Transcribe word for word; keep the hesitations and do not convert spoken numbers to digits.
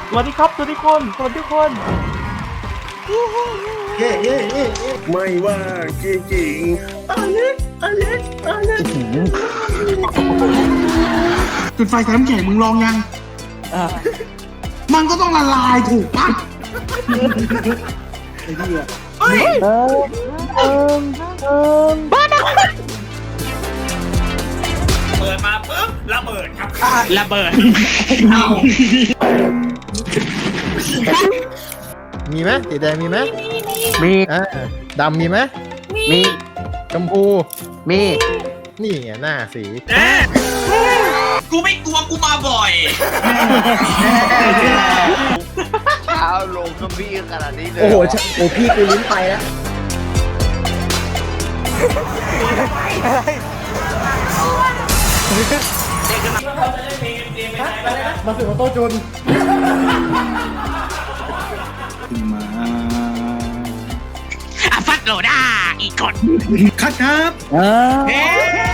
สวัสดีครับสวัสดีคนสวัสดีคนเย่เย่เย่ไม่ว่าจริงจริงอเล็กอเล็กอเล็กจุดไฟใส่น้ำแข็งมึงลองยังมันก็ต้องละลายถูกปะไอ้เหี้ยเฮ้ยเอิงเอิงเอิงบ้านะเปิดมาปุ๊บระเบิดครับระเบิดมีไหมสีแดงมีไหมมีอ่าดำมีไหมมีชมพูมีนี่ไงหน้าสีกูไม่กลัวกูมาบ่อยเช้าลงก็พี่ขนาดนี้เลยโอ้โหโอ้พี่กูลิ้นไปแล้วมาถึงโต๊ะจุนมาอ่ะฟัดโหลด้าอีกคนคัดครับเออเฮ้